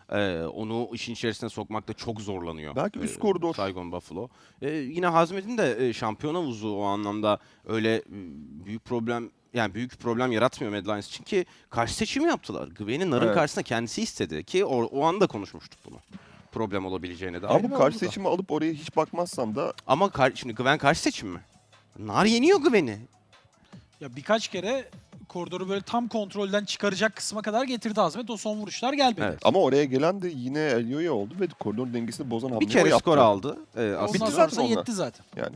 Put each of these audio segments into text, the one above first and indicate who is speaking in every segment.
Speaker 1: Onu işin içerisine sokmakta çok zorlanıyor.
Speaker 2: Belki üst koridor.
Speaker 1: Saigon Buffalo. Yine Hazmet'in de şampiyon havuzu o anlamda öyle büyük problem, yani büyük problem yaratmıyor Mad Lions için ki karşı seçimi yaptılar. Gwen'i Nar'ın
Speaker 2: Evet.
Speaker 1: karşısına kendisi istedi ki o anda konuşmuştuk bunu. Problem olabileceğine dair.
Speaker 2: Ama bu
Speaker 1: ve
Speaker 2: karşı
Speaker 1: oldu da.
Speaker 2: seçimi alıp oraya hiç bakmazsam da
Speaker 1: Ama şimdi Gwen karşı seçim mi? Nar yeniyor Gwen'i.
Speaker 3: Ya birkaç kere koridoru böyle tam kontrolden çıkaracak kısma kadar getirdi Hazmet. O son vuruşlar gelmedi.
Speaker 1: Evet.
Speaker 2: ama oraya gelen de yine Elio'ya oldu ve koridor dengesini bozan hamleyi
Speaker 1: Bir kere
Speaker 2: o yaptı.
Speaker 1: skor aldı.
Speaker 3: Ondan
Speaker 2: Bitti
Speaker 3: sonrası
Speaker 2: zaten onlar.
Speaker 3: yetti zaten.
Speaker 2: Yani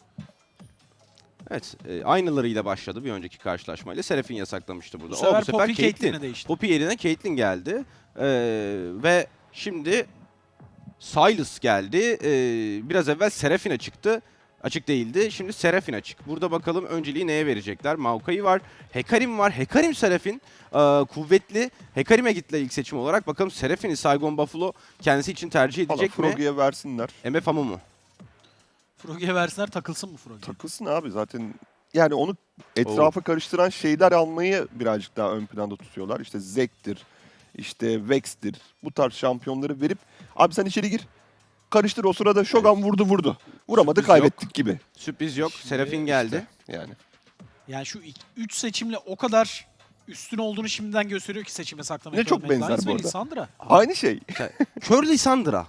Speaker 1: Evet, aynılarıyla başladı bir önceki karşılaşmayla. Serafin yasaklamıştı burada.
Speaker 3: Bu sefer
Speaker 1: bu
Speaker 3: Poppy
Speaker 1: Caitlyn.
Speaker 3: Caitlyn'e değişti.
Speaker 1: Poppy yerine Caitlyn geldi. Ve şimdi Sylas geldi. Biraz evvel Seraphine çıktı. Açık değildi. Şimdi Seraphine açık. Burada bakalım önceliği neye verecekler? Maokai var. Hekarim var. Hekarim Seraphine. Kuvvetli. Hekarim'e gitti ilk seçim olarak. Bakalım Seraphine'i Saigon Buffalo kendisi için tercih
Speaker 2: valla
Speaker 1: edecek mi?
Speaker 2: Froggy'e versinler.
Speaker 1: MF Amu mu?
Speaker 3: Froggy'e versinler, takılsın mı Froggy?
Speaker 2: Takılsın abi zaten. Yani onu etrafa karıştıran şeyler almayı birazcık daha ön planda tutuyorlar. İşte Zek'tir, işte Vex'tir. Bu tarz şampiyonları verip abi sen içeri gir. Karıştır, o sırada Shogun vurdu. Vuramadı,
Speaker 1: Sürpriz
Speaker 2: kaybettik gibi.
Speaker 1: Sürpriz yok.
Speaker 3: Şimdi
Speaker 1: Serafin geldi.
Speaker 2: Yani.
Speaker 3: Yani şu 3 seçimle o kadar üstün olduğunu şimdiden gösteriyor ki seçime saklamak.
Speaker 2: Ne çok benzer bu arada.
Speaker 3: Lissandra.
Speaker 2: Aynı şey.
Speaker 1: Kör Lissandra.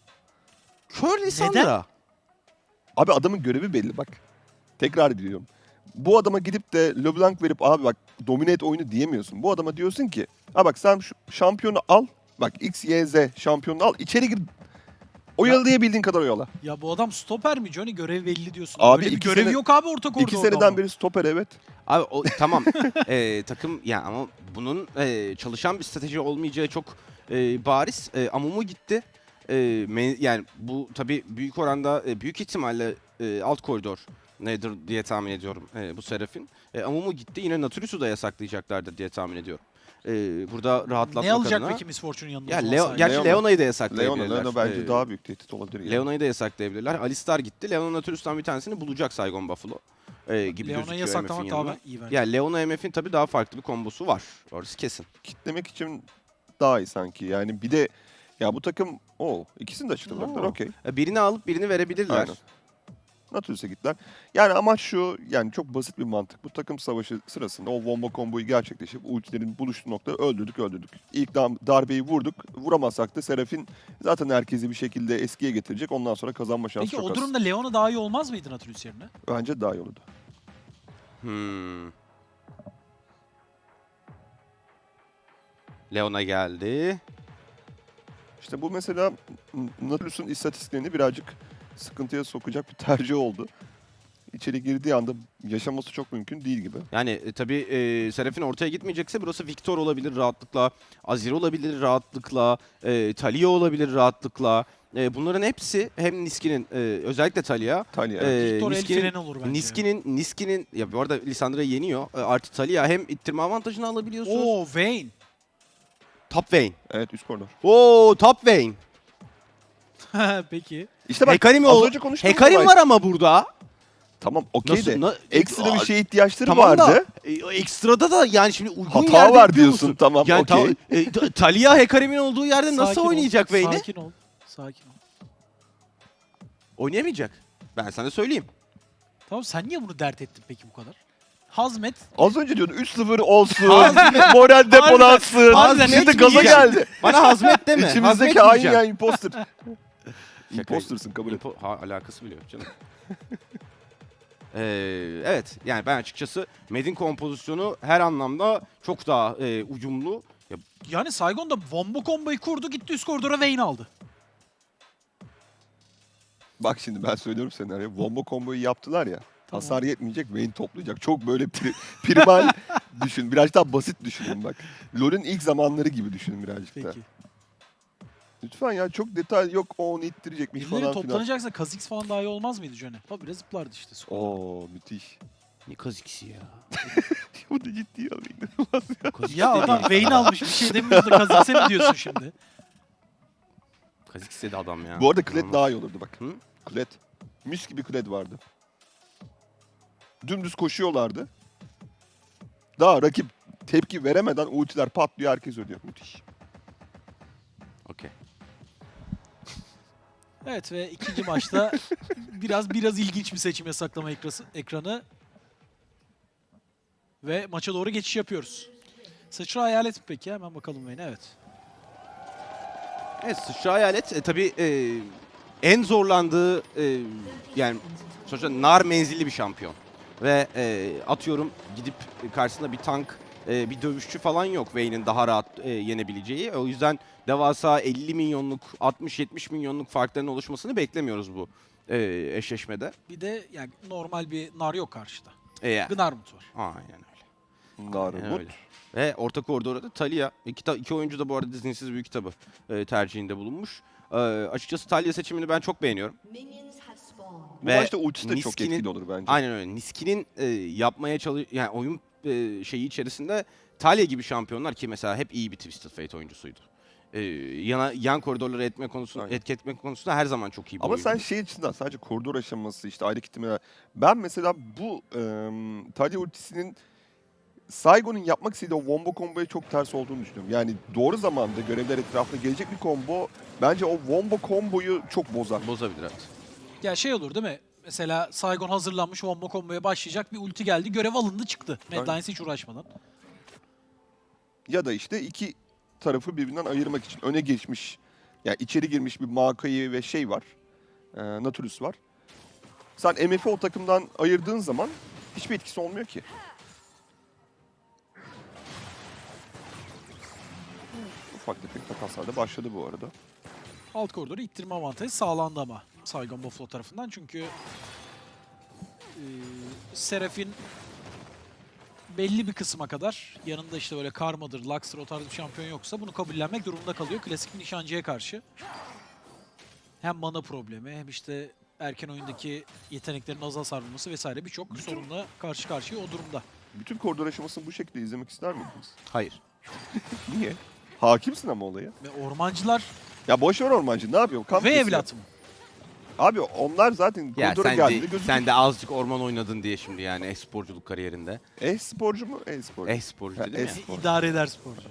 Speaker 1: Kör Lissandra.
Speaker 2: Abi adamın görevi belli bak. Tekrar diyorum. Bu adama gidip de LeBlanc verip abi bak domine et oyunu diyemiyorsun. Bu adama diyorsun ki ha bak sen şu şampiyonu al. Bak X, Y, Z şampiyonunu al. İçeri gir. Oyalayabildiğin kadar oyala.
Speaker 3: Ya bu adam stoper mi Johnny? Görev belli diyorsun.
Speaker 2: Abi
Speaker 3: Öyle bir
Speaker 2: iki
Speaker 3: görevi
Speaker 2: sene-
Speaker 3: yok abi orta koridorda.
Speaker 2: 2 seneden
Speaker 3: ama.
Speaker 2: beri stoper, evet.
Speaker 1: Abi tamam takım ya ama bunun çalışan bir strateji olmayacağı çok bariz. Amumu gitti. Yani bu tabii büyük oranda büyük ihtimalle alt koridor nedir diye tahmin ediyorum bu Serafin. Amumu gitti. Yine Natulus'u da yasaklayacaklardır diye tahmin ediyorum. Burada rahatlatmak
Speaker 3: Ne alacak
Speaker 1: adına.
Speaker 3: peki Miss Fortune'un yanında?
Speaker 1: Ya
Speaker 3: o zaman
Speaker 1: gerçi
Speaker 2: Leona.
Speaker 1: Leona'yı da yasaklayabilirler.
Speaker 2: Leona bence daha büyük tehdit olabilir. Yani.
Speaker 1: Leona'yı da yasaklayabilirler. Alistar gitti. Leona Natulus'tan bir tanesini bulacak Saigon Buffalo. Gibi
Speaker 3: Leona'yı
Speaker 1: gözüküyor
Speaker 3: yasaklamak
Speaker 1: MF'in
Speaker 3: daha
Speaker 1: yanına.
Speaker 3: iyi bence.
Speaker 1: Ya Leona MF'in tabii daha farklı bir kombosu var. Orası kesin.
Speaker 2: Kitlemek için daha iyi sanki. Yani bir de ya bu takım ikisini de açıkladılar. Okey.
Speaker 1: Birini alıp birini verebilirler.
Speaker 2: Aynen. Natulus'a gittiler. Yani amaç şu, yani çok basit bir mantık. Bu takım savaşı sırasında o bomba komboyu gerçekleşip ultilerin buluştuğu noktada öldürdük. İlk darbeyi vurduk. Vuramazsak da Serafin zaten herkesi bir şekilde eskiye getirecek. Ondan sonra kazanma şansı
Speaker 3: Peki
Speaker 2: çok
Speaker 3: o
Speaker 2: az.
Speaker 3: durumda Leona daha iyi olmaz mıydı Nautilus yerine?
Speaker 2: Bence daha iyi olurdu.
Speaker 1: Leona geldi.
Speaker 2: İşte bu mesela Nautilus'un istatistiklerini birazcık sıkıntıya sokacak bir tercih oldu. İçeri girdiği anda yaşaması çok mümkün değil gibi.
Speaker 1: Yani tabii Serafin ortaya gitmeyecekse burası Victor olabilir rahatlıkla. Azir olabilir rahatlıkla. Talia olabilir rahatlıkla. Bunların hepsi hem Niski'nin özellikle Talia.
Speaker 2: Talia.
Speaker 3: Victor el freni olur bence.
Speaker 1: Niski'nin ya bu arada Lissandra'yı yeniyor. Artı Talia hem ittirme avantajını alabiliyorsunuz.
Speaker 3: Oo Vayne.
Speaker 1: Top Vayne.
Speaker 2: Evet, üst koridor.
Speaker 1: Oo Top Vayne.
Speaker 3: Peki.
Speaker 2: İşte bak
Speaker 1: Hekarim
Speaker 2: az önce konuştuğumuz
Speaker 1: Hekarim
Speaker 2: olay.
Speaker 1: var ama burada.
Speaker 2: Tamam, okey de
Speaker 1: Nasıl-
Speaker 2: ekstra bir şeye ihtiyaçları
Speaker 1: Tamam
Speaker 2: vardı.
Speaker 1: da ekstrada da yani şimdi uygun
Speaker 2: Hata
Speaker 1: yerde
Speaker 2: var
Speaker 1: yapıyor
Speaker 2: diyorsun,
Speaker 1: musun?
Speaker 2: tamam,
Speaker 1: Yani
Speaker 2: okey.
Speaker 1: Talia Hekarim'in olduğu yerde nasıl
Speaker 3: Sakin ol,
Speaker 1: oynayacak Vayne'i?
Speaker 3: Sakin ol. Sakin ol.
Speaker 1: Oynayamayacak. Ben sana söyleyeyim.
Speaker 3: Tamam sen niye bunu dert ettin peki bu kadar? Hazmet.
Speaker 2: Az önce diyordun 3-0 olsun,
Speaker 1: Hazmet-
Speaker 2: moral depolansın.
Speaker 3: Harbiden
Speaker 2: Şimdi
Speaker 3: hiç
Speaker 2: gaza
Speaker 1: yiyeceğim.
Speaker 2: geldi.
Speaker 1: Bana hazmet deme. hazmet
Speaker 2: İçimizdeki hain
Speaker 1: yiyeceğim.
Speaker 2: ya imposter. Imposter'sın, kabul et.
Speaker 1: Alakası bile yok canım. Evet yani ben açıkçası Med'in kompozisyonu her anlamda çok daha uyumlu. Ya,
Speaker 3: Yani Saigon da bomba komboyu kurdu gitti üst koridora Vayne aldı.
Speaker 2: Bak şimdi ben söylüyorum senaryo. Bomba komboyu yaptılar ya.
Speaker 3: Tamam.
Speaker 2: Hasar yetmeyecek, Vayne toplayacak. Çok böyle primal düşün. Birazcık daha basit düşünün bak. LoL'ün ilk zamanları gibi düşünün birazcık
Speaker 3: Peki.
Speaker 2: da. Lütfen ya, çok detay yok, o onu ittirecekmiş
Speaker 3: Birileri
Speaker 2: falan filan.
Speaker 3: toplanacaksa Kha'Zix falan daha iyi olmaz mıydı Johnny? Habire zıplardı işte.
Speaker 2: Oo müthiş.
Speaker 1: ne kaziksi ya.
Speaker 2: Bu da ciddi ya.
Speaker 1: Kaziksi
Speaker 3: Ya
Speaker 1: dedi
Speaker 3: adam Vayne almış bir şey demiyordu da Kha'Zix'e mi diyorsun şimdi?
Speaker 1: Kaziksi dedi adam ya.
Speaker 2: Bu arada Kled
Speaker 1: İnanılmaz.
Speaker 2: daha iyi olurdu bak.
Speaker 1: Hı?
Speaker 2: Kled. Mis gibi Kled vardı. Dümdüz koşuyorlardı. Daha rakip tepki veremeden ultiler patlıyor, herkes ölüyor. Müthiş.
Speaker 1: Okey.
Speaker 3: Evet ve ikinci maçta biraz ilginç bir seçim saklama ekranı. Ve maça doğru geçiş yapıyoruz. Sıçra hayalet mi peki? Hemen bakalım Vayne. Evet.
Speaker 1: Evet, sıçra hayalet tabii en zorlandığı yani sonuçta nar menzilli bir şampiyon. Ve atıyorum gidip karşısında bir tank, bir dövüşçü falan yok Vayne'in daha rahat yenebileceği. O yüzden devasa 50 milyonluk, 60-70 milyonluk farkların oluşmasını beklemiyoruz bu eşleşmede.
Speaker 3: Bir de yani normal bir nar yok karşıda.
Speaker 1: Yani.
Speaker 3: Gnarmut var.
Speaker 1: Aynen öyle.
Speaker 2: Narumut.
Speaker 1: öyle. Ve orta koridorda da Talia. İki oyuncu da bu arada Dizinsiz Büyük Kitabı tercihinde bulunmuş. Açıkçası Talia seçimini ben çok beğeniyorum.
Speaker 2: Bu
Speaker 1: Ve
Speaker 2: maçta ultisi de çok
Speaker 1: Niski'nin-
Speaker 2: etkili olur bence.
Speaker 1: Aynen öyle. Niski'nin yapmaya yani oyun şeyi içerisinde Talia gibi şampiyonlar ki mesela hep iyi bir Twisted Fate oyuncusuydu. Yan koridorları
Speaker 2: Aynen.
Speaker 1: etki etme konusunda her zaman çok iyi bir
Speaker 2: Ama
Speaker 1: oyuncu.
Speaker 2: sen şey açısından sadece koridor aşaması işte ayrı kitlemeler. Ben mesela bu Talia ultisinin Saigon'un yapmak istediği o wombo komboya çok ters olduğunu düşünüyorum. Yani doğru zamanda görevler etrafında gelecek bir combo bence o wombo komboyu çok bozar.
Speaker 1: Bozabilir evet.
Speaker 3: Ya şey olur değil mi? Mesela Saigon hazırlanmış wombo komboya başlayacak. Bir ulti geldi. Görev alındı çıktı. Mad
Speaker 2: Aynen.
Speaker 3: Lions hiç uğraşmadan.
Speaker 2: Ya da işte iki tarafı birbirinden ayırmak için öne geçmiş, yani içeri girmiş bir Maokai ve şey var, Nautilus var. Sen MF'i o takımdan ayırdığın zaman hiçbir etkisi olmuyor ki. Ufak tefek takaslar da başladı bu arada.
Speaker 3: Alt koridoru ittirme avantajı sağlandı ama Saigon Buffalo tarafından. Çünkü Seraph'in belli bir kısma kadar yanında işte böyle Karma'dır, Lux'tır o tarz bir şampiyon yoksa bunu kabullenmek durumunda kalıyor klasik bir nişancıya karşı. Hem mana problemi hem işte erken oyundaki yeteneklerin az hasar vurması vesaire birçok sorunla karşı karşıya o durumda.
Speaker 2: Bütün koridor aşamasını bu şekilde izlemek ister miydiniz?
Speaker 1: Hayır.
Speaker 2: Niye? Hakimsin ama olaya.
Speaker 3: Ve ormancılar
Speaker 2: Ya boş ver ormancı, ne yapıyor? Kamp
Speaker 3: ve
Speaker 2: kesiyor.
Speaker 3: evlat mı?
Speaker 2: Abi onlar zaten
Speaker 1: Ya
Speaker 2: koridora geldiğinde gözüküyor.
Speaker 1: sen de azıcık orman oynadın diye şimdi yani e-sporculuk kariyerinde.
Speaker 2: E-sporcu mu? E-sporcu.
Speaker 1: E-sporcu
Speaker 2: Ha,
Speaker 1: dedim ya.
Speaker 2: e-spor.
Speaker 3: İdare eder sporcu.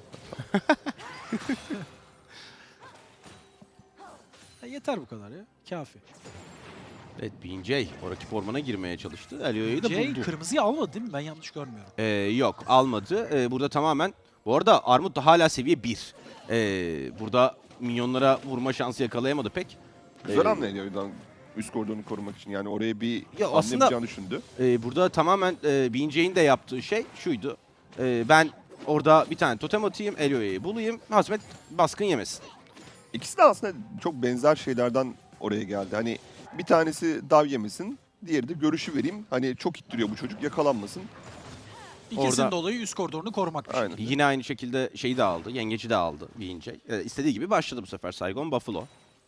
Speaker 3: Ya yeter bu kadar ya. Kafi.
Speaker 1: Evet, BJ o rakip ormana girmeye çalıştı. Elio'yu da
Speaker 3: Jay
Speaker 1: buldu.
Speaker 3: kırmızıyı almadı değil mi? Ben yanlış görmüyorum.
Speaker 1: Yok almadı. Burada tamamen bu arada Armut da hala seviye 1. Burada minyonlara vurma şansı yakalayamadı pek.
Speaker 2: Güzel
Speaker 1: Ee,
Speaker 2: hamle ediyor üst koridorunu korumak için. Yani oraya bir
Speaker 1: Ya
Speaker 2: hamle
Speaker 1: aslında-
Speaker 2: yapacağını düşündü.
Speaker 1: Burada tamamen BJ'in de yaptığı şey şuydu. Ben orada bir tane totem atayım, Elio'yu bulayım. Hazmet baskın yemesin.
Speaker 2: İkisi de aslında çok benzer şeylerden oraya geldi. Hani bir tanesi dav yemesin, diğeri de görüşü vereyim. Hani çok ittiriyor bu çocuk, yakalanmasın.
Speaker 3: İkisinin
Speaker 1: Orada-
Speaker 3: de olayı üst koridorunu korumak.
Speaker 2: Aynen.
Speaker 1: Yine aynı şekilde şeyi de aldı. Yengeci de aldı BJ. İstediği gibi başladı bu sefer Saigon Buffalo.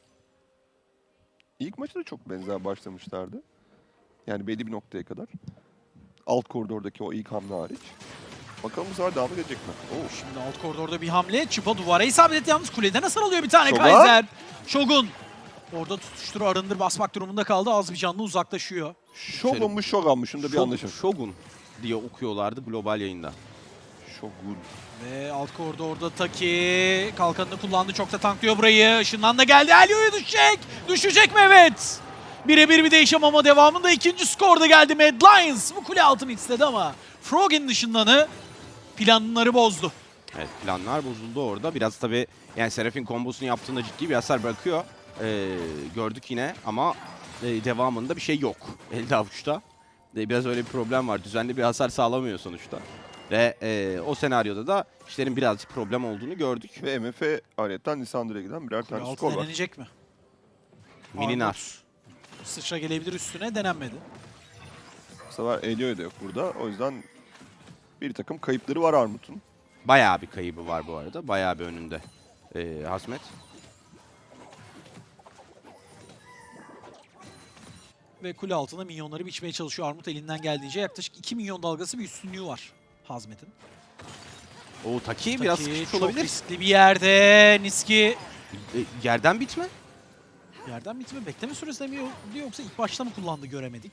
Speaker 2: İlk maçta da çok benzer başlamışlardı. Yani belli bir noktaya kadar. Alt koridordaki o ilk hamle hariç. Bakalım bu sefer devam edecek mi? Oo.
Speaker 3: Şimdi alt koridorda bir hamle. Çıpa duvara isabet etti yalnız kuleden hasar alıyor bir tane
Speaker 2: Shogun.
Speaker 3: Kaiser. Shogun. Orada tutuştur arındır basmak durumunda kaldı. Az bir canlı uzaklaşıyor.
Speaker 2: Shogun mu Shogun mu? Şunda bir anlaşalım.
Speaker 1: Shogun diye okuyorlardı global yayında.
Speaker 2: Shogun.
Speaker 3: Ve alt koridorda Taki kalkanını kullandı. Çok da tanklıyor burayı. Işından da geldi. Elio'ya düşecek. Düşecek mi? Evet. Birebir bir değişim ama devamında ikinci skorda geldi. Mad Lions bu kule altını istedi ama Frog'in dışındanı planları bozdu.
Speaker 1: Evet, planlar bozuldu orada. Biraz tabii yani Seraph'in kombosunu yaptığında ciddi bir hasar bırakıyor. Gördük yine ama devamında bir şey yok elde avuçta. Biraz öyle bir problem var. Düzenli bir hasar sağlamıyor sonuçta. Ve o senaryoda da işlerin birazcık problem olduğunu gördük.
Speaker 2: Ve MF aletten Lissandra'ya giden birer
Speaker 3: Kule
Speaker 2: tane
Speaker 3: altı
Speaker 2: skor var.
Speaker 3: denenecek mi?
Speaker 1: Mininar.
Speaker 3: Armut sıçra gelebilir üstüne, denenmedi.
Speaker 2: Bu sefer Elio'ya da yok burada. O yüzden bir takım kayıpları var Armut'un.
Speaker 1: Bayağı bir kaybı var bu arada. Bayağı bir önünde Hazmet.
Speaker 3: Ve kule altına minyonları biçmeye çalışıyor Armut elinden geldiğince. Yaklaşık 2 milyon dalgası bir üstünlüğü var Hazmet'in.
Speaker 1: O Taki biraz
Speaker 3: Taki
Speaker 1: sıkışmış
Speaker 3: çok
Speaker 1: olabilir.
Speaker 3: riskli bir yerde. Niski
Speaker 1: Yerden bitme.
Speaker 3: yerden bitme bekleme süresi mi yoksa ilk başta mı kullandı göremedik.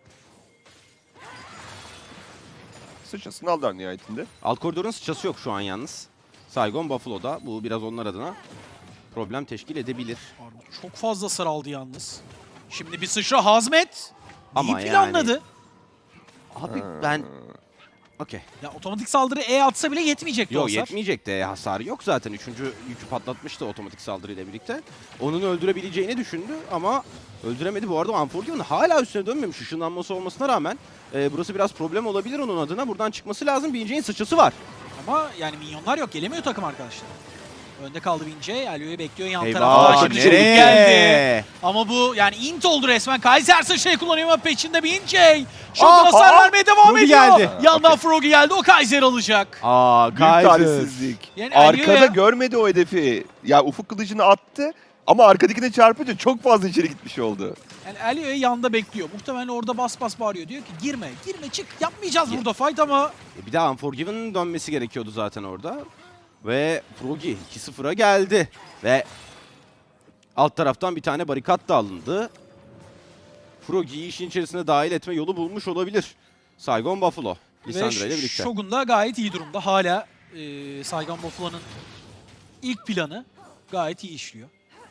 Speaker 2: Sıçrasını aldılar nihayetinde.
Speaker 1: Alt koridorun sıçrası yok şu an yalnız. Saigon Buffalo'da. Bu biraz onlar adına problem teşkil edebilir.
Speaker 3: Armut çok fazla saraldı yalnız. Şimdi bir sıçra Hazmet.
Speaker 1: Ama
Speaker 3: İyi planladı.
Speaker 1: Abi ben... Okey.
Speaker 3: Ya otomatik saldırı E atsa bile yetmeyecekti o
Speaker 1: Yok
Speaker 3: hasar.
Speaker 1: yetmeyecek de hasarı yok zaten. Üçüncü yükü patlatmıştı otomatik saldırıyla birlikte. Onun öldürebileceğini düşündü ama öldüremedi. Bu arada Unforgiven hala üstüne dönmemiş. Işınlanması olmasına rağmen burası biraz problem olabilir onun adına. Buradan çıkması lazım. BJ'nin sıçrası var.
Speaker 3: Ama yani minyonlar yok. Gelemiyor takım arkadaşlar. Önde kaldı Vince. Alio'yu bekliyor yan
Speaker 1: Eyvah,
Speaker 3: tarafta. Şimdi çabuk
Speaker 1: nereye?
Speaker 3: geldi. Ama bu yani int oldu resmen. Kaiser sıçrayı kullanıyor ama peşinde Vince. Şu
Speaker 1: Aa,
Speaker 3: hasar vermeye devam
Speaker 1: Froggy
Speaker 3: ediyor.
Speaker 1: geldi.
Speaker 3: Yandan Froggy geldi. O Kaiser alacak.
Speaker 1: Aa,
Speaker 2: Büyük talihsizlik.
Speaker 3: Yani
Speaker 2: Arkada
Speaker 3: Alio'ya-
Speaker 2: görmedi o hedefi. Ya ufuk kılıcını attı ama arkadakine çarpınca çok fazla içeri gitmiş oldu.
Speaker 3: Yani Alio'ya yanda bekliyor. Muhtemelen orada bas bas bağırıyor. Diyor ki girme, girme çık. Yapmayacağız
Speaker 1: Ya-
Speaker 3: burada fight ama
Speaker 1: Bir daha Unforgiven'ın dönmesi gerekiyordu zaten orada. Ve Froggy 2-0'a geldi. Ve alt taraftan bir tane barikat da alındı. Froggy'yi işin içerisine dahil etme yolu bulmuş olabilir. Saigon Buffalo. Lissandra ile birlikte.
Speaker 3: Shogun da gayet iyi durumda. Hala Saigon Buffalo'nun ilk planı gayet iyi işliyor.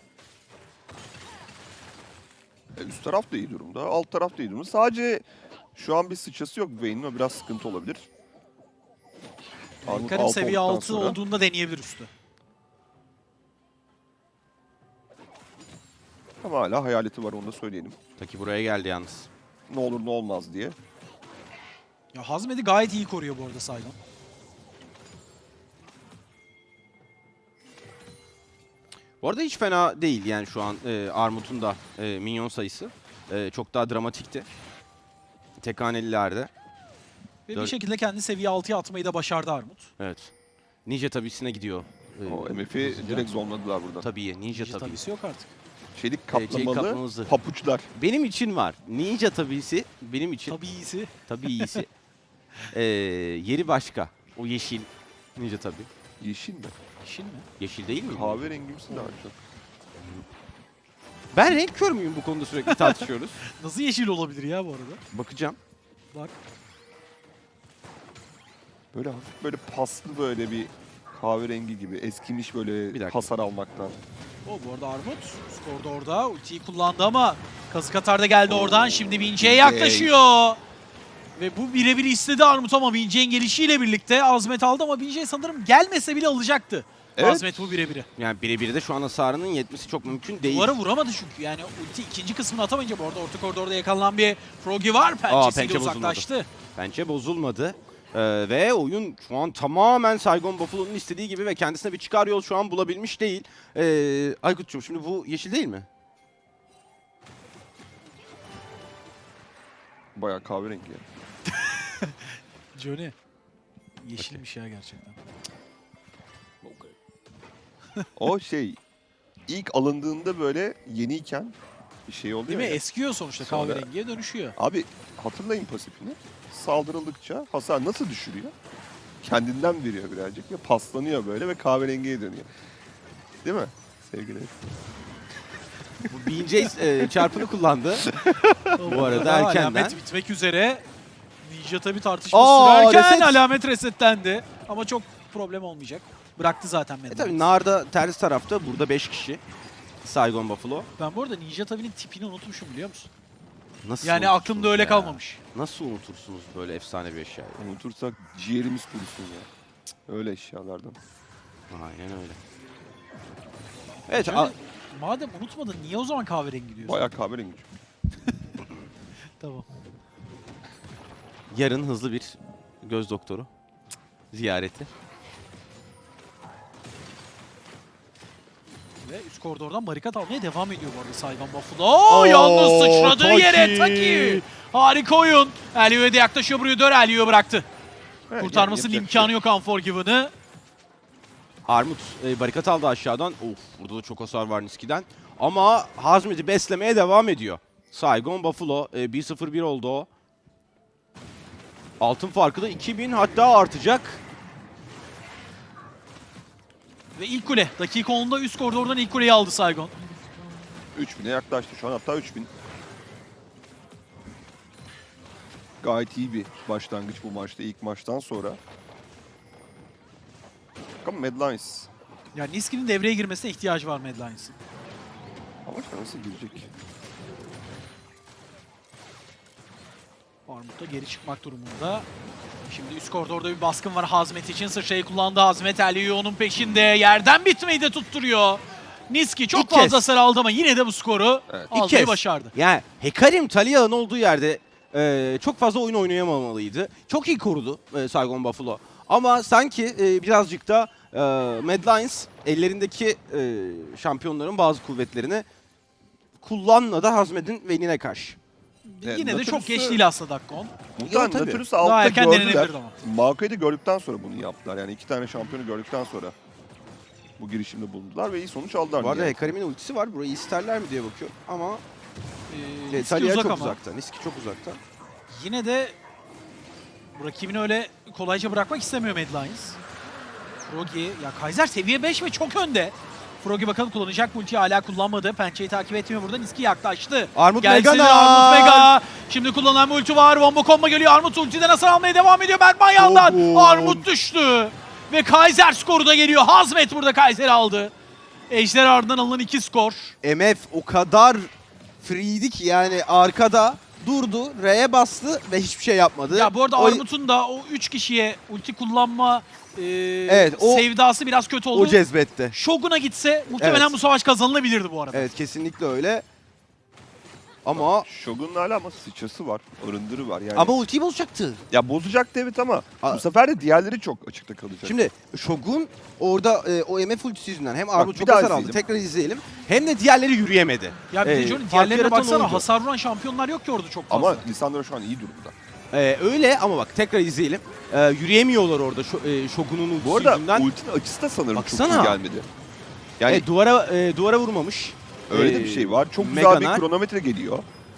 Speaker 2: Üst taraf da iyi durumda, alt taraf da iyi durumda. Sadece şu an bir sıçrası yok Vayne'in, o biraz sıkıntı olabilir. Armut
Speaker 3: Karim
Speaker 2: alt
Speaker 3: seviye
Speaker 2: olduktan
Speaker 3: 6
Speaker 2: sonra-
Speaker 3: olduğunda deneyebilir üstü.
Speaker 2: Ama hala hayaleti var, onu da söyleyelim.
Speaker 1: Taki buraya geldi yalnız.
Speaker 2: Ne olur ne olmaz diye.
Speaker 3: Ya Hazmet'i gayet iyi koruyor bu arada Saigon.
Speaker 1: Bu arada hiç fena değil yani şu an Armut'un da minyon sayısı. Çok daha dramatikti. Tek hanelilerde.
Speaker 3: Ve
Speaker 1: Dört-
Speaker 3: bir şekilde kendi seviye 6'ya atmayı da başardı Armut.
Speaker 1: Evet. Ninja tabisine gidiyor.
Speaker 2: O MF'i direkt zonladılar buradan.
Speaker 1: Tabii ninja tabii.
Speaker 3: Tabisi yok artık.
Speaker 2: Çelik
Speaker 1: çelik
Speaker 2: kaplamalı
Speaker 1: kaplamamızı.
Speaker 2: papuçlar.
Speaker 1: Benim için var. Ninja tabisi benim için
Speaker 3: Tabii iyisi.
Speaker 1: tabii iyisi. Yeri başka. O yeşil ninja tabii.
Speaker 2: Yeşil mi?
Speaker 3: İşin mi?
Speaker 1: Yeşil değil mi?
Speaker 2: Kahverengimsi daha çok.
Speaker 1: Ben renk kör müyüm bu konuda sürekli tartışıyoruz.
Speaker 3: Nasıl yeşil olabilir ya bu arada?
Speaker 1: Bakacağım.
Speaker 3: Bak.
Speaker 2: Böyle hafif böyle paslı böyle bir kahverengi gibi. Eskimiş
Speaker 1: Bir
Speaker 2: böyle
Speaker 1: dakika.
Speaker 2: hasar almaktan.
Speaker 3: O bu arada Armut. Skorda orada. Ultiyi kullandı ama kazık atar da geldi oradan. Şimdi Vince'ye yaklaşıyor. Ve bu birebir istedi Armut ama Vince'nin gelişiyle birlikte Azmet aldı ama Vince sanırım gelmese bile alacaktı.
Speaker 2: Evet.
Speaker 3: Azmet bu birebiri.
Speaker 1: Yani birebir de şu an hasarının yetmesi çok mümkün değil.
Speaker 3: Duvara vuramadı çünkü yani ulti ikinci kısmını atamayınca bu arada orta koridorda yakalanan bir Froggy var.
Speaker 1: pençe
Speaker 3: Pençesiyle
Speaker 1: bozulmadı.
Speaker 3: uzaklaştı.
Speaker 1: Bence bozulmadı. Ve oyun şu an tamamen Saigon Buffalo'nun istediği gibi ve kendisine bir çıkar yol şu an bulabilmiş değil. Aykut'cum şimdi bu yeşil değil mi?
Speaker 2: Bayağı kahverengi ya.
Speaker 3: Johnny. Yeşilmiş ya gerçekten.
Speaker 2: O şey ilk alındığında böyle yeniyken bir şey oluyor
Speaker 3: Değil mi?
Speaker 2: ya.
Speaker 3: Eskiyor sonuçta
Speaker 2: Sonra-
Speaker 3: kahverengiye dönüşüyor.
Speaker 2: Abi hatırlayın pasifini. Saldırıldıkça hasar nasıl düşürüyor? Kendinden veriyor birazcık ve paslanıyor böyle ve kahverengiye dönüyor. Değil mi sevgili?
Speaker 1: Bu BJ çarpını kullandı. Bu arada erkenden.
Speaker 3: Alamet bitmek üzere. Ninja tabi tartışma
Speaker 1: Aa,
Speaker 3: sürerken
Speaker 1: reset.
Speaker 3: alamet resetlendi. Ama çok problem olmayacak. Bıraktı zaten Mad
Speaker 1: Tabii
Speaker 3: Max.
Speaker 1: Nar'da ters tarafta burada 5 kişi. Saigon Buffalo.
Speaker 3: Ben bu arada Ninja Tabi'nin tipini unutmuşum biliyor musun?
Speaker 1: Nasıl
Speaker 3: Yani
Speaker 1: unutursunuz
Speaker 3: aklımda öyle
Speaker 1: ya?
Speaker 3: kalmamış.
Speaker 1: Nasıl unutursunuz böyle efsane bir eşyayı?
Speaker 2: Unutursak ciğerimiz kurusun ya. Öyle eşyalardan.
Speaker 1: Aynen öyle. Evet,
Speaker 3: Şöyle, madem unutmadın niye o zaman kahverengi diyorsun?
Speaker 2: Bayağı kahverengi.
Speaker 3: Tamam.
Speaker 1: yarın hızlı bir göz doktoru ziyareti.
Speaker 3: Ve üst koridordan barikat almaya devam ediyor bu arada Saigon Buffalo. Yalnız sıçradığı
Speaker 1: Taki.
Speaker 3: yere Taki. Harika oyun. Elio'ya da yaklaşıyor buraya dön. Elio'ya bıraktı.
Speaker 2: Evet,
Speaker 3: Kurtarmasının
Speaker 2: yapacak bir şey
Speaker 3: imkanı yok Unforgiven'ı.
Speaker 1: Armut barikat aldı aşağıdan. Of, burada da çok hasar var Niski'den. Ama Hazmet'i beslemeye devam ediyor. Saigon Buffalo 1-0-1 oldu o. Altın farkı da 2000 hatta artacak.
Speaker 3: Ve ilk kule. Dakika 10'da üst koridordan ilk kuleyi aldı Saigon.
Speaker 2: 3000'e yaklaştı şu an, hatta 3000. Gayet iyi bir başlangıç bu maçta, ilk maçtan sonra. Bakalım Mad Lions
Speaker 3: Yani Niski'nin devreye girmesine ihtiyacı var Mad Lions'ın.
Speaker 2: Ama nasıl girecek?
Speaker 3: Armut da geri çıkmak durumunda. Şimdi üst koridorda bir baskın var Hazmet için. Sıçrayı kullandı Hazmet. Elio onun peşinde. Yerden bitmeyi de tutturuyor. Niski çok
Speaker 1: İlk
Speaker 3: fazla
Speaker 1: kez.
Speaker 3: hasar aldı ama yine de bu skoru
Speaker 2: Evet.
Speaker 1: İlk
Speaker 3: almayı
Speaker 1: kez.
Speaker 3: başardı.
Speaker 1: Yani Hekarim Taliyah'ın olduğu yerde çok fazla oyun oynayamamalıydı. Çok iyi korudu Saigon Buffalo. Ama sanki birazcık da Mad Lions ellerindeki şampiyonların bazı kuvvetlerini kullanmadı Hazmet'in Vayne'ine karşı.
Speaker 2: Evet,
Speaker 3: Yine de çok
Speaker 2: Natulus'u-
Speaker 3: geç değil aslında Dakkon.
Speaker 2: Muhtemelen
Speaker 1: tabii.
Speaker 2: Natulus'u
Speaker 3: Daha
Speaker 2: altta
Speaker 3: erken
Speaker 2: gördüler.
Speaker 3: denenebilirdi ama.
Speaker 2: Maokai de gördükten sonra bunu yaptılar. Yani 2 tane şampiyonu gördükten sonra bu girişimde bulundular ve iyi sonuç aldılar.
Speaker 1: Bu arada
Speaker 2: yani.
Speaker 1: Hekarim'in ultisi var. Burayı isterler mi diye bakıyor. Ama
Speaker 3: Niski
Speaker 1: Talia
Speaker 3: uzak
Speaker 1: çok
Speaker 3: ama.
Speaker 1: uzakta. Niski çok uzakta.
Speaker 3: Yine de rakibini öyle kolayca bırakmak istemiyor Mad Lions. Froggy, ya Kaiser seviye 5 ve çok önde. Froggy bakalım kullanacak mı ultiyi, hala kullanmadı. Pençeyi takip etmiyor burada. Niski yaklaştı.
Speaker 1: Armut
Speaker 3: Gelsin
Speaker 1: Megana!
Speaker 3: Armut Mega. Şimdi kullanılan bir ulti var. Wombo combo geliyor. Armut ultiden hasar almaya devam ediyor. Berkman yandan.
Speaker 1: Oğlum.
Speaker 3: Armut düştü. Ve Kaiser skoru da geliyor. Hazmet burada Kaiser'i aldı. Ejder ardından alınan 2 skor.
Speaker 1: MF o kadar freeydi ki yani arkada durdu, R'ye bastı ve hiçbir şey yapmadı.
Speaker 3: Ya bu arada
Speaker 1: O-
Speaker 3: Armut'un da o 3 kişiye ulti kullanma
Speaker 1: Evet, o-
Speaker 3: sevdası biraz kötü oldu.
Speaker 1: o cezbetti.
Speaker 3: Shogun'a gitse muhtemelen
Speaker 1: Evet.
Speaker 3: bu savaş kazanılabilirdi bu arada.
Speaker 1: Evet, kesinlikle öyle. Ama
Speaker 2: Shogun'un hala ama sıçrası var, arındırı var. Yani
Speaker 1: ama ultiyi bozacaktı.
Speaker 2: ya bozacaktı evet ama
Speaker 1: A-
Speaker 2: bu sefer de diğerleri çok açıkta kalacak.
Speaker 1: Şimdi Shogun orada o MF ultisi yüzünden hem Armut
Speaker 2: bir
Speaker 1: çok
Speaker 2: daha
Speaker 1: hasar aldı.
Speaker 2: izleyelim.
Speaker 1: Tekrar izleyelim. Hem de diğerleri yürüyemedi.
Speaker 3: Ya bir de Johnny
Speaker 1: fark
Speaker 3: diğerlerine
Speaker 1: yaratan
Speaker 3: baksana,
Speaker 1: oydu.
Speaker 3: hasar vuran şampiyonlar yok ki orada çok fazla.
Speaker 2: ama Lisandro şu an iyi durumda.
Speaker 1: Öyle ama bak tekrar izleyelim. Yürüyemiyorlar orada Shogun'un ultisi
Speaker 2: Bu arada
Speaker 1: yüzünden.
Speaker 2: ultinin açısı da sanırım çok
Speaker 1: Baksana.
Speaker 2: iyi gelmedi. Yani
Speaker 1: Duvara vurmamış.
Speaker 2: öyle de bir şey var. Çok güzel
Speaker 1: Meganar.
Speaker 2: bir kronometre geliyor.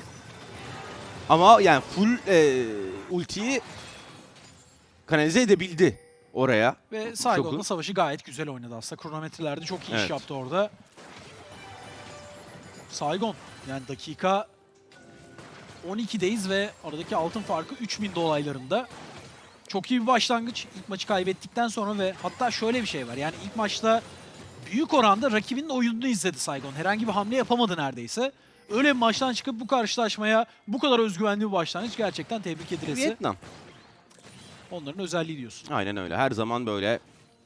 Speaker 1: Ama yani full ultiyi kanalize edebildi oraya.
Speaker 3: Ve Saigon'la
Speaker 1: Shogun.
Speaker 3: savaşı gayet güzel oynadı aslında. Kronometrelerde çok iyi iş
Speaker 1: Evet.
Speaker 3: yaptı orada. Saigon yani dakika 12'deyiz ve aradaki altın farkı 3000 dolaylarında. Çok iyi bir başlangıç. İlk maçı kaybettikten sonra ve hatta şöyle bir şey var. Yani ilk maçta büyük oranda rakibinin oyununu izledi Saigon. Herhangi bir hamle yapamadı neredeyse. Öyle bir maçtan çıkıp bu karşılaşmaya bu kadar özgüvenli bir başlangıç gerçekten tebrik edilesi.
Speaker 1: Vietnam.
Speaker 3: Onların özelliği diyorsun.
Speaker 1: Aynen öyle. Her zaman böyle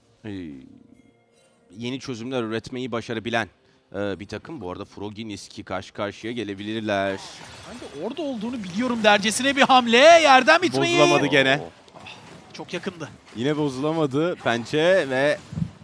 Speaker 1: yeni çözümler üretmeyi başarabilen bir takım. Bu arada Froggy Niski karşı karşıya gelebilirler.
Speaker 3: Ben de orada olduğunu biliyorum dercesine bir hamle. Yerden bitmeyi.
Speaker 1: Bozulamadı gene.
Speaker 3: Çok yakındı.
Speaker 1: Yine bozulamadı pençe ve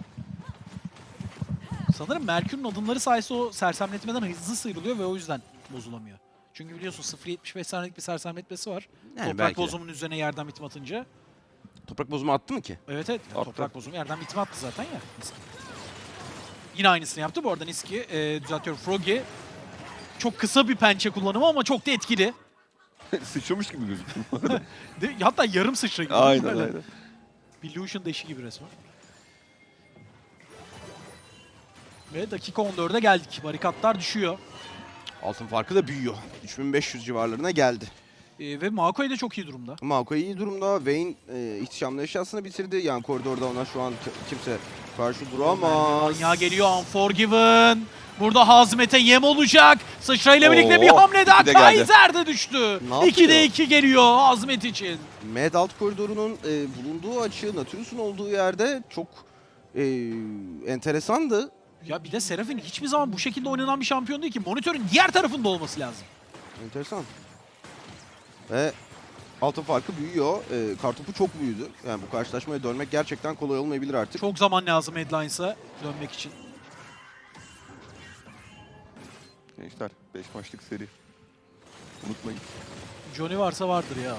Speaker 3: Sanırım Merkür'ün adımları sayesinde o sersemletmeden hızlı sıyrılıyor ve o yüzden bozulamıyor. Çünkü biliyorsun 0.75 saniyelik bir sersemletmesi var.
Speaker 1: yani
Speaker 3: Toprak
Speaker 1: belki de.
Speaker 3: bozumunun üzerine yerden bitme atınca.
Speaker 1: Toprak bozumu attı mı ki?
Speaker 3: Evet evet.
Speaker 2: Attı.
Speaker 3: Toprak bozumu yerden bitme attı zaten ya. Niski. Yine aynısını yaptı bu arada Niski. Düzeltiyorum, Froggy. Çok kısa bir pençe kullanımı ama çok da etkili.
Speaker 2: Sıçramış gibi gözüküyor.
Speaker 3: Hatta yarım sıçra gibi.
Speaker 2: aynen
Speaker 3: Böyle.
Speaker 2: aynen.
Speaker 3: Bir Lucian deşi gibi resmen. Ve dakika 14'e geldik. Barikatlar düşüyor.
Speaker 1: Altın farkı da büyüyor. 3500 civarlarına geldi.
Speaker 3: Ve Maokai de çok iyi durumda.
Speaker 1: Maokai iyi durumda. Vayne ihtişamlı eşyasını bitirdi. Yani koridorda ona şu an kimse karşı duramaz.
Speaker 3: Ya geliyor Unforgiven. Burada Hazmet'e yem olacak. Sıçrayla birlikte bir
Speaker 2: Oo,
Speaker 3: hamle daha.
Speaker 2: iki de geldi.
Speaker 3: Kaiser de düştü.
Speaker 1: Ne yapıyor?
Speaker 3: 2'de 2 geliyor Hazmet için.
Speaker 1: Mad Alt koridorunun bulunduğu açı, Natulus'un olduğu yerde çok enteresandı.
Speaker 3: Ya bir de Seraphine hiçbir zaman bu şekilde oynanan bir şampiyon değil ki. Monitörün diğer tarafında olması lazım.
Speaker 1: Enteresan. Ve altın farkı büyüyor. Kartopu çok büyüdü. Yani bu karşılaşmaya dönmek gerçekten kolay olmayabilir artık.
Speaker 3: Çok zaman lazım Headlines'a dönmek için.
Speaker 2: Gençler 5 maçlık seri. Unutmayın.
Speaker 3: Johnny varsa vardır ya.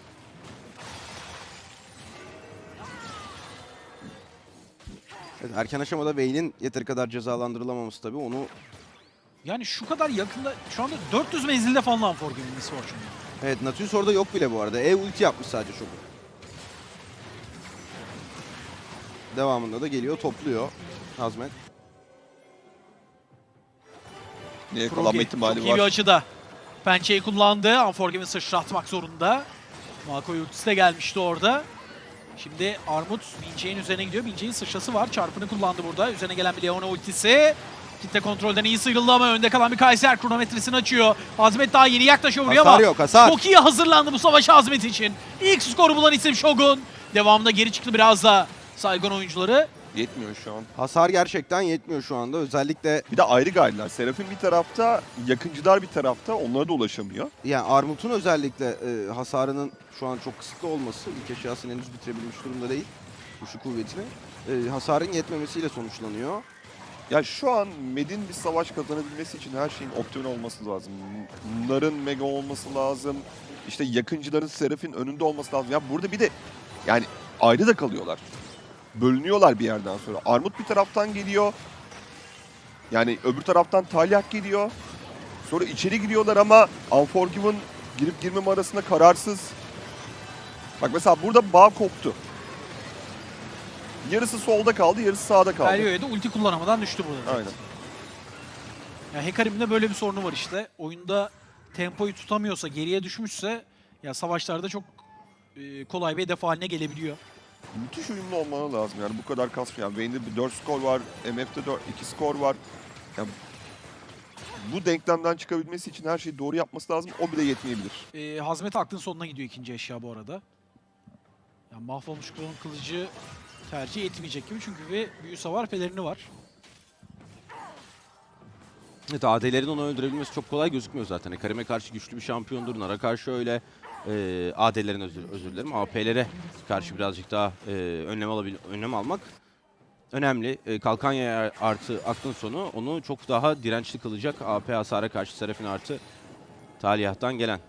Speaker 1: Evet, erken aşamada Vayne'in yeteri kadar cezalandırılamaması tabii onu...
Speaker 3: Yani şu kadar yakında, şu anda 400 menzilde falan Unforgiven Misfortune'da.
Speaker 1: Evet, Nautilus orada yok bile bu arada. Ulti yapmış sadece Shogun. Devamında da geliyor, topluyor Hazmet.
Speaker 2: Neye kalanma
Speaker 3: Froggy
Speaker 2: ihtimali
Speaker 3: çok iyi bir
Speaker 2: var.
Speaker 3: açıda. Pençeyi kullandı. Unforgiven sıçratmak zorunda. Maokai ultisi de gelmişti orada. Şimdi Armut Bince'nin üzerine gidiyor. Bince'nin sıçrası var. Çarpını kullandı burada. Üzerine gelen bir Leona ultisi. Kitle kontrolden iyi sıyrıldı ama önde kalan bir Kaiser kronometresini açıyor. Hazmet daha yeni yaklaşıyor buraya
Speaker 1: Hasar
Speaker 3: ama
Speaker 1: yok, hasar.
Speaker 3: çok iyi hazırlandı bu savaşa Hazmet için. İlk skoru bulan isim Shogun. Devamında geri çıktı biraz da Saigon oyuncuları.
Speaker 2: Yetmiyor şu an.
Speaker 1: Hasar gerçekten yetmiyor şu anda. Özellikle
Speaker 2: Bir de ayrı gaydiler. Serafin bir tarafta, yakıncılar bir tarafta. Onlara da ulaşamıyor.
Speaker 1: yani Armut'un özellikle hasarının şu an çok kısıtlı olması, ilk eşyasını henüz bitirebilmiş durumda değil. Güçlü kuvvetini. Hasarın yetmemesiyle sonuçlanıyor.
Speaker 2: Ya şu an Med'in bir savaş kazanabilmesi için her şeyin optimal olması lazım. Nar'ın mega olması lazım. İşte yakıncıların Seraf'in önünde olması lazım. Ya burada bir de yani ayrı da kalıyorlar. Bölünüyorlar bir yerden sonra. Armut bir taraftan geliyor. Yani öbür taraftan Talyak geliyor. Sonra içeri giriyorlar ama Unforgiven girip girmeme arasında kararsız. Bak mesela burada bağ koptu. Yarısı solda kaldı, yarısı sağda kaldı.
Speaker 3: Galio'ya da ulti kullanamadan düştü burada.
Speaker 2: Aynen.
Speaker 3: Ya Hecarim'in de böyle bir sorunu var işte. Oyunda tempoyu tutamıyorsa, geriye düşmüşse ya savaşlarda çok kolay bir hedef haline gelebiliyor.
Speaker 2: Müthiş uyumlu olmaları lazım yani bu kadar kasma. Yani Vayne'de bir 4 skor var, MF'de 2 skor var. Yani bu denklemden çıkabilmesi için her şeyi doğru yapması lazım. O bile yetmeyebilir.
Speaker 3: Hazmet aklın sonuna gidiyor ikinci eşya bu arada. Yani mahvolmuş klon kılıcı tercih etmeyecek gibi çünkü bir büyü savar pelerini var.
Speaker 1: Evet, AD'lerin onu öldürebilmesi çok kolay gözükmüyor zaten. Karim'e karşı güçlü bir şampiyondur. Nar'a karşı öyle. AD'lerin özür dilerim. AP'lere karşı birazcık daha önlem almak önemli. Kalkanya artı aklın sonu onu çok daha dirençli kılacak. AP hasara karşı Serafin artı Talyah'tan gelen.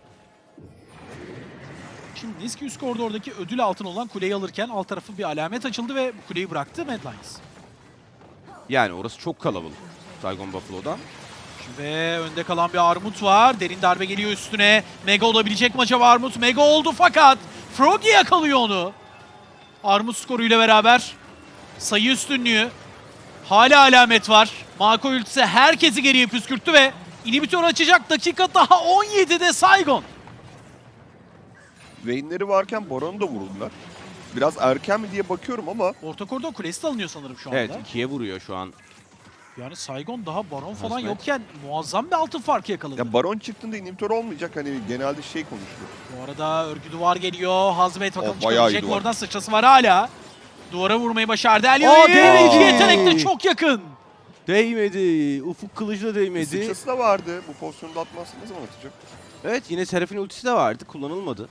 Speaker 3: Şimdi Niski üst koridordaki ödül altın olan kuleyi alırken alt tarafı bir alamet açıldı ve bu kuleyi bıraktı Mad Lions.
Speaker 1: Yani orası çok kalabalık Saigon Buffalo'dan.
Speaker 3: Ve önde kalan bir Armut var. Derin darbe geliyor üstüne. Mega olabilecek mi acaba Armut? Mega oldu fakat Froggy yakalıyor onu. Armut skoruyla beraber sayı üstünlüğü. Hala alamet var. Mako ultisi herkesi geriye püskürttü ve inhibitör açacak dakika daha 17'de Saigon.
Speaker 2: Vayne'leri varken Baron'u da vurdular. Biraz erken mi diye bakıyorum ama
Speaker 3: Orta koridor kulesi de alınıyor sanırım şu anda.
Speaker 1: Evet, 2'ye vuruyor şu an.
Speaker 3: Yani Saigon daha Baron falan
Speaker 1: Hazmet.
Speaker 3: yokken muazzam bir altın farkı yakaladı.
Speaker 2: ya Baron çıktığında inhibitor olmayacak. Hani genelde şey konuşuluyor.
Speaker 3: Bu arada örgü duvar geliyor. Hazmet bakalım
Speaker 2: O bayağı iyi
Speaker 3: çıkabilecek mi?
Speaker 2: duvar.
Speaker 3: Oradan sıçrası var hala. Duvara vurmayı başardı.
Speaker 1: Aa,
Speaker 3: Elio'yu
Speaker 1: değmedi.
Speaker 3: iki yetenek de çok yakın.
Speaker 1: Değmedi. Ufuk kılıcı da değmedi.
Speaker 2: Sıçrası da vardı. Bu pozisyonda atmazsa ne zaman atacak?
Speaker 1: Evet, yine Serafin ultisi de vardı. Kullanılmadı.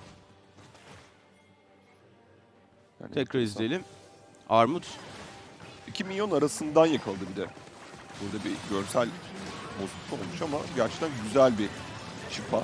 Speaker 2: Yani
Speaker 1: Tekrar izleyelim. Armut
Speaker 2: 2 milyon arasından yakaladı bir de. Burada bir görsel bozukluk olmuş ama gerçekten güzel bir şifa.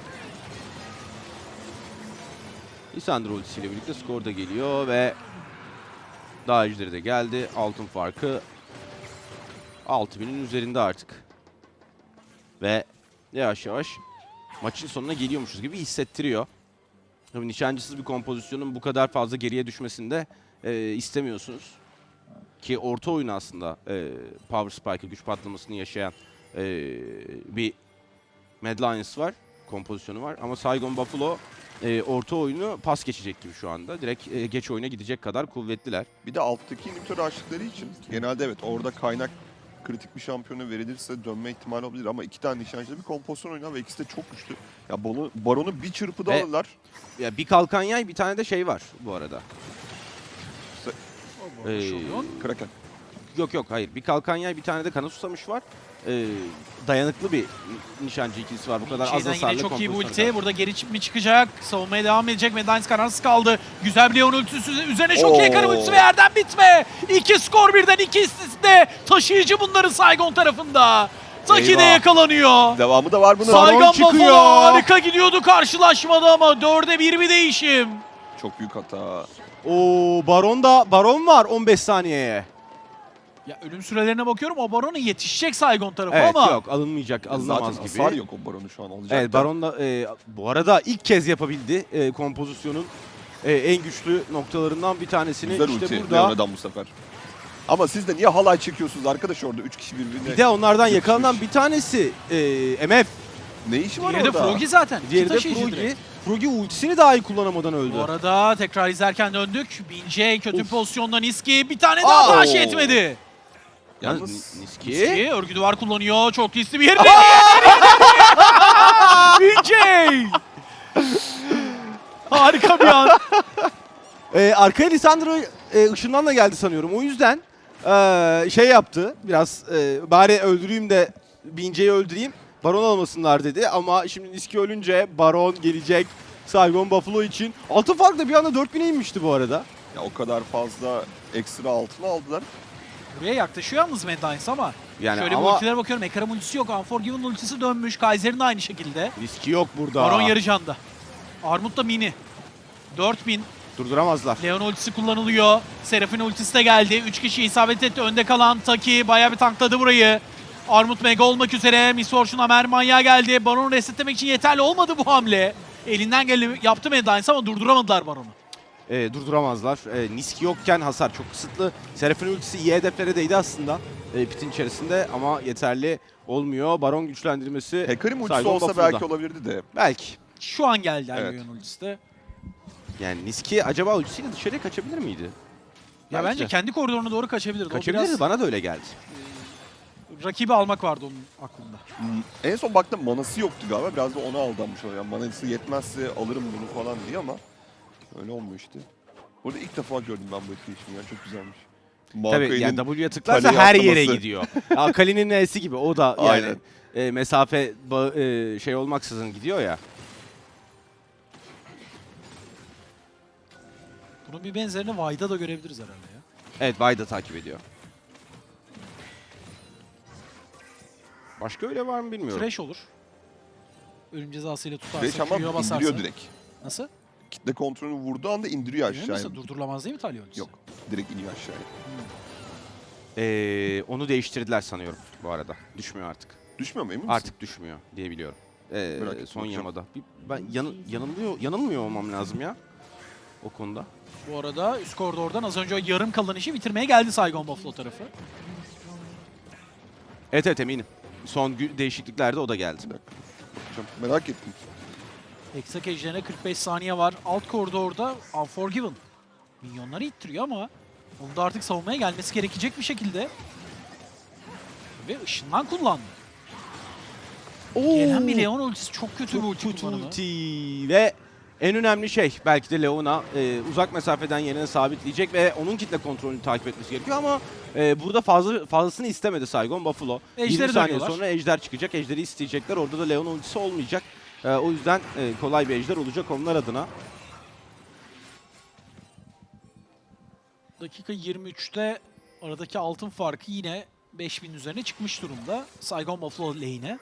Speaker 1: Lisandro ultisiyle birlikte skor da geliyor ve daha ejderi de geldi. Altın farkı 6000'in üzerinde artık. Ve yavaş yavaş maçın sonuna geliyormuşuz gibi hissettiriyor. Tabii nişancısız bir kompozisyonun bu kadar fazla geriye düşmesini de istemiyorsunuz. Ki orta oyun aslında Power Spike'ı, güç patlamasını yaşayan bir Mad Lions var, kompozisyonu var. Ama Saigon Buffalo orta oyunu pas geçecek gibi şu anda. Direkt geç oyuna gidecek kadar kuvvetliler.
Speaker 2: Bir de alttaki inhibitor açtıkları için genelde evet orada kaynak kritik bir şampiyona verilirse dönme ihtimali olabilir ama 2 tane nişancıda bir kompozisyon oynar ve ikisi de çok güçlü. Ya Baron'u bir çırpıda
Speaker 1: Ve-
Speaker 2: alırlar.
Speaker 1: Ya bir kalkan yay, bir tane de şey var bu arada.
Speaker 3: Şampiyon.
Speaker 2: Kraken.
Speaker 1: Yok hayır. Bir kalkan yay, bir tane de kana susamış var. Dayanıklı bir nişancı ikilisi var. Bu kadar az
Speaker 3: Şeyden
Speaker 1: hasarlı
Speaker 3: yine çok iyi bu
Speaker 1: kompozisyona
Speaker 3: ulti. Burada geri mi çıkacak? Savunmaya devam edecek. Mad Lions kararsız kaldı. Güzel bir Leon ultisi üzerine çok iyi Hecarim ultisi ve yerden bitme. 2 skor birden, 2 de taşıyıcı bunların Saigon tarafında. Taki de
Speaker 2: Eyvah.
Speaker 3: yakalanıyor.
Speaker 2: Devamı da var bunun.
Speaker 3: Saigon
Speaker 1: çıkıyor.
Speaker 3: Buffalo harika gidiyordu karşılaşmada ama 4'e 1 bir değişim.
Speaker 2: Çok büyük hata.
Speaker 1: Oo, Baron var 15 saniyeye.
Speaker 3: Ya ölüm sürelerine bakıyorum. O Baron'a yetişecek Saigon tarafı
Speaker 1: Evet,
Speaker 3: ama.
Speaker 1: yok alınmayacak, alınamaz
Speaker 2: Zaten
Speaker 1: gibi.
Speaker 2: hasar yok o Baron'u şu an alacak.
Speaker 1: Evet, Baron da bu arada ilk kez yapabildi kompozisyonun en güçlü noktalarından bir tanesini.
Speaker 2: Güzel
Speaker 1: işte
Speaker 2: ulti
Speaker 1: burada.
Speaker 2: Leona'dan bu sefer. Ama siz de niye halay çekiyorsunuz arkadaş orada 3 kişi birbirine?
Speaker 1: Bir de onlardan
Speaker 2: yapışmış.
Speaker 1: yakalanan bir tanesi MF.
Speaker 2: Ne işi var
Speaker 3: Diğeri de
Speaker 2: orada?
Speaker 3: Froggy zaten.
Speaker 1: Diğeri de
Speaker 3: İki taşıyıcı
Speaker 1: Froggy.
Speaker 3: direkt.
Speaker 1: Froggy ultisini dahi kullanamadan öldü.
Speaker 3: Bu arada tekrar izlerken döndük. Bince kötü
Speaker 1: Of.
Speaker 3: pozisyonda Niski bir tane daha
Speaker 1: Aa!
Speaker 3: taş etmedi.
Speaker 1: Yalnız
Speaker 2: Yalnız
Speaker 1: Niski.
Speaker 3: Niski örgü duvar kullanıyor. Çok riskli bir yerde. Bince! Harika bir an.
Speaker 1: Arkaya Lisandro ışından da geldi sanıyorum. O yüzden şey yaptı. Biraz bari öldüreyim de Bince'yi öldüreyim. Baron almasınlar dedi. Ama şimdi Niski ölünce Baron gelecek. Saigon Buffalo için. Altın fark da bir anda 4000'e inmişti bu arada.
Speaker 2: ya o kadar fazla ekstra altına aldılar.
Speaker 3: Buraya yaklaşıyor yalnız Mad Lions ama.
Speaker 1: Yani
Speaker 3: Şöyle bir
Speaker 1: ama
Speaker 3: ultilere bakıyorum. Ekram ultisi yok. Unforgiven ultisi dönmüş. Kaiser'in de aynı şekilde.
Speaker 1: riski yok burada.
Speaker 3: Baron yarı canda. Armut da mini. 4000.
Speaker 1: Durduramazlar.
Speaker 3: Leon ultisi kullanılıyor. Seraphine ultisi de geldi. 3 kişi isabet etti. Önde kalan Taki bayağı bir tankladı burayı. Armut mega olmak üzere. Miss Fortune Amer manyağa geldi. Baron'u resetlemek için yeterli olmadı bu hamle. Elinden geleni yaptı Mad Lions ama durduramadılar Baron'u.
Speaker 1: Durduramazlar. Niski yokken hasar çok kısıtlı. Seraphine ultisi iyi hedeflere değdi aslında. Pitin içerisinde ama yeterli olmuyor. Baron güçlendirmesi
Speaker 2: Hecarim ultisi
Speaker 1: Saigon
Speaker 2: olsa
Speaker 1: Buffalo'da.
Speaker 2: belki olabilirdi de.
Speaker 1: Belki.
Speaker 3: Şu an geldi
Speaker 2: Evet.
Speaker 3: Leon ultisi de.
Speaker 1: Yani Niski acaba ultisiyle dışarıya kaçabilir miydi?
Speaker 3: Ya
Speaker 1: Belki
Speaker 3: bence
Speaker 1: de.
Speaker 3: kendi koridoruna doğru kaçabilirdi. O
Speaker 1: Kaçabilirdi.
Speaker 3: biraz
Speaker 1: Bana da öyle geldi.
Speaker 3: rakibi almak vardı onun aklında.
Speaker 2: En son baktım manası yoktu galiba. Biraz da ona aldanmış oluyor. Yani manası yetmezse alırım bunu falan diye ama öyle olmuyor işte. Burada ilk defa gördüm ben bu etkileşimi ya. Çok güzelmiş.
Speaker 1: Tabii
Speaker 2: Maokain'in
Speaker 1: yani W'ye tıklarsa
Speaker 2: kaleye
Speaker 1: her yere
Speaker 2: atlaması.
Speaker 1: gidiyor. Akali'nin N'si gibi o da yani
Speaker 2: Aynen.
Speaker 1: mesafe şey olmaksızın gidiyor ya.
Speaker 3: Bunun bir benzerini Vay'da da görebiliriz herhalde ya.
Speaker 1: Evet, Bay da takip ediyor. Başka öyle var mı bilmiyorum.
Speaker 3: Fresh olur. Ölüm cezasıyla
Speaker 2: Fresh
Speaker 3: tutarsa,
Speaker 2: ama
Speaker 3: Q'ya basarsa.
Speaker 2: indiriyor direkt.
Speaker 3: Nasıl?
Speaker 2: Kitle kontrolünü vurduğu anda indiriyor
Speaker 3: Emin
Speaker 2: aşağıya.
Speaker 3: misin? Durdurulamaz değil mi Talya ultisi?
Speaker 2: Yok. Direkt iniyor aşağıya.
Speaker 1: Onu değiştirdiler sanıyorum bu arada. Düşmüyor artık.
Speaker 2: Düşmüyor mu emin misin?
Speaker 1: Artık düşmüyor diye biliyorum.
Speaker 2: Merak ettim,
Speaker 1: Son
Speaker 2: bakacağım.
Speaker 1: yamada. Ben yanılmıyor olmam lazım ya o konuda.
Speaker 3: Bu arada üst koridordan az önce o yarım kalan işi bitirmeye geldi Saigon Buffalo tarafı.
Speaker 1: Evet eminim. Son değişikliklerde o da geldi.
Speaker 2: Bir dakika. Bakacağım. Merak ettim.
Speaker 3: Hexak ejderine 45 saniye var. Alt koridorda Unforgiven. Minyonları ittiriyor ama onu da artık savunmaya gelmesi gerekecek bir şekilde. Ve ışından kullandı. Gelen bir Leon ultisi çok kötü bir ulti kullanımı.
Speaker 1: ulti ve en önemli şey belki de Leon'a uzak mesafeden yerine sabitleyecek ve onun kitle kontrolünü takip etmesi gerekiyor ama burada fazlasını istemedi Saigon Buffalo.
Speaker 3: Ejderi
Speaker 1: 20 saniye
Speaker 3: dönüyorlar.
Speaker 1: sonra ejder çıkacak. Ejderi isteyecekler. Orada da Leon ultisi olmayacak. O yüzden kolay bir ejder olacak onlar adına.
Speaker 3: Dakika 23'te aradaki altın farkı yine 5000 üzerine çıkmış durumda. Saigon Buffalo lane'e.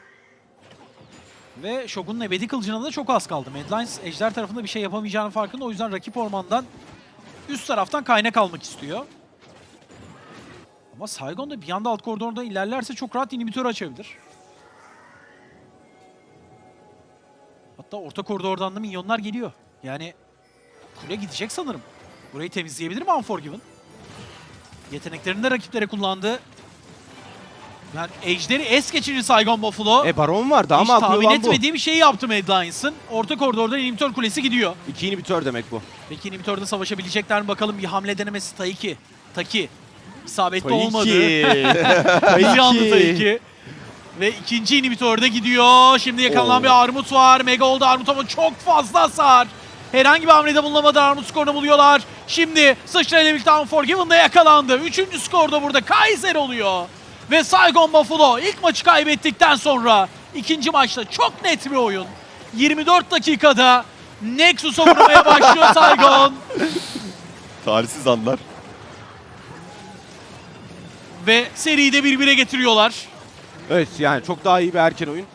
Speaker 3: Ve Shogun'un ebedi kılıcına da çok az kaldı. Mad Lions ejder tarafında bir şey yapamayacağının farkında. O yüzden rakip ormandan üst taraftan kaynak almak istiyor. Ama Saigon da bir anda alt koridorda ilerlerse çok rahat inhibitör açabilir. Hatta orta koridordan da minyonlar geliyor. Yani kule gidecek sanırım. Burayı temizleyebilir mi Unforgiven? Yeteneklerini de rakiplere kullandı. Yani ejderi es geçirir Saigon Buffalo.
Speaker 1: Baron var daha
Speaker 3: Hiç
Speaker 1: mı akıllı
Speaker 3: tahmin
Speaker 1: olan bu?
Speaker 3: etmediği bir şeyi yaptı Mad Lions'ın. Orta koridordan inhibitör kulesi gidiyor.
Speaker 1: 2 inhibitör demek bu.
Speaker 3: Peki inhibitörde savaşabilecekler mi bakalım. Bir hamle denemesi Taki. İsabetli
Speaker 1: Tabii
Speaker 3: olmadı.
Speaker 1: ki.
Speaker 3: Bir anda Taki. Ve ikinci inhibitörde gidiyor. Şimdi yakalanan
Speaker 1: Oo.
Speaker 3: bir Armut var. Mega oldu Armut ama çok fazla hasar. Herhangi bir hamlede bulunamadı. Armut skorunu buluyorlar. Şimdi sıçrayla birlikte Unforgiven de yakalandı. Üçüncü skorda burada Kaiser oluyor. Ve Saigon Buffalo ilk maçı kaybettikten sonra ikinci maçta çok net bir oyun. 24 dakikada Nexus'a vurmaya başlıyor Saigon.
Speaker 2: Talihsiz anlar.
Speaker 3: Ve seriyi de 1-1'e getiriyorlar.
Speaker 1: Evet yani çok daha iyi bir erken oyun.